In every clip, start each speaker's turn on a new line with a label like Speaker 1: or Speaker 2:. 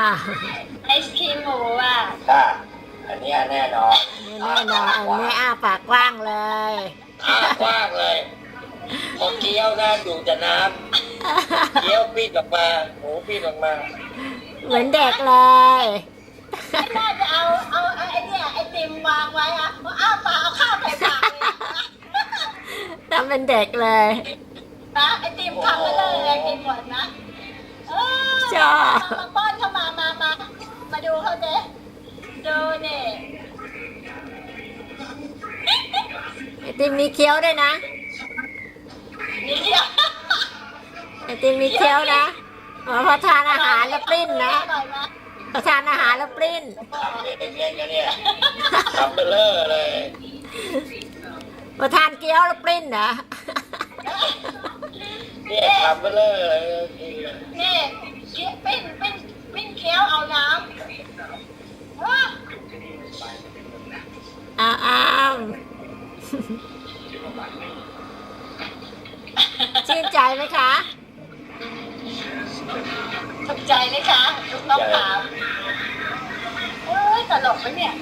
Speaker 1: ไอศครีมหมูอ่ะ
Speaker 2: ค่ะอันนี้แน่นอน
Speaker 3: แน่นอนอันนี้ปากกว้างเลย
Speaker 2: กว้างเลยพอเคี้ยวนะดูแต่น้ำเคี้ยวปีดออกมาหมูปีดออกมา
Speaker 3: เหมือนเด็กเลย
Speaker 1: ไม่น่าจะเอาไอเนี่ยไอติมวางไว้อะอ้าปากเอาข้าวใส่ปากเลย
Speaker 3: ทำเป็นเด็กเลย
Speaker 1: นะไอติมทำมาเลยกินหมดนะ
Speaker 3: ชอบ
Speaker 1: มาป้อนเข้ามาดูเขาเจ๊ดูนี่
Speaker 3: ไอติมมีเคี้ยวด้วยนะ
Speaker 1: นี่เดียว
Speaker 3: ไอติมมีเคี้ยวนะพอทานอาหารแล้วปลิ้นนะพอทานอาหารแล้วปลิ้น
Speaker 2: ทำเด็กๆกันเนี่ยทำเบลอเลย
Speaker 3: พอทานเกี๊ยวแล้วปลิ้นนะ
Speaker 2: เนี่ยทำเบลอเลย
Speaker 1: นี่ปิ้นเคี้ยวเอาน้ำ
Speaker 3: อ้าวชื่นใจไหมคะ
Speaker 1: ถูกใจไหมคะลูกน้องถามตลกไหมเนี่ย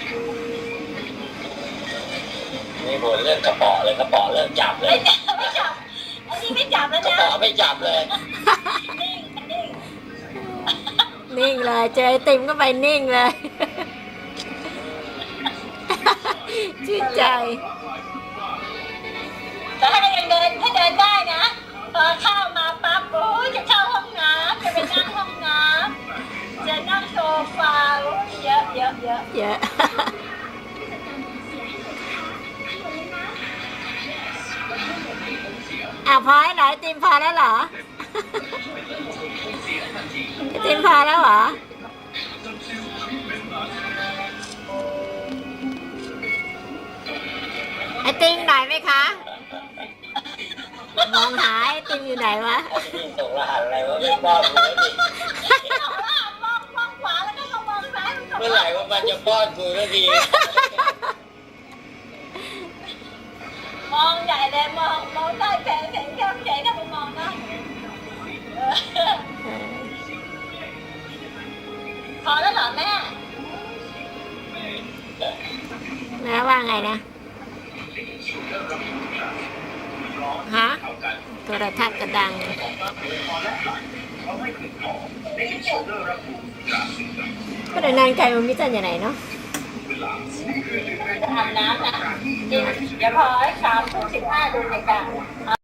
Speaker 2: นี่บ่นเรื่องกระป๋อเลยกระป๋อเรื่องจับเลย
Speaker 1: ไม่จับอันนี้ไม่จับแล้ว
Speaker 2: กระ
Speaker 1: นะ
Speaker 2: ป๋อไม่จับเลย
Speaker 3: นิ่งเลยเจอไอติมก็ไปนิ่งเลยชื่นใจ
Speaker 1: แต่ถ้ายังเดินได้นะพอเข้ามาปั๊บโอ้ยจะเข้าห้องน้ำจะไปนั่งห้องน้ำจะนั่งโซฟาเยอะ
Speaker 3: เยอะพอให้หน่อยไอติมพอแล้วเหรอไอติมพอแล้วเหรอไอติมหน่อยไหมคะมองหาไอติมอยู่ไหนวะ
Speaker 2: ส่งรหัสอะไรวะไม่ป้อนกูแล้วดิ
Speaker 1: มองขวาแล้วก็มองซ้าย
Speaker 2: เมื่อไหร่ว่ามันจะป้อนกูแล้วดี
Speaker 1: มองใหญ่เลยมองใต้แสงแก้มใหญ่ถ้าไปมองนะพอแล้วเหรอแม่
Speaker 3: ว่าไงนะฮะโทรทัศน์กระดังก็เดินนานไกลมันมิจันอย่างไหนเนาะ
Speaker 1: จะทำน้ำนะจริงเดี๋ยวพอ3:15ดูรายการ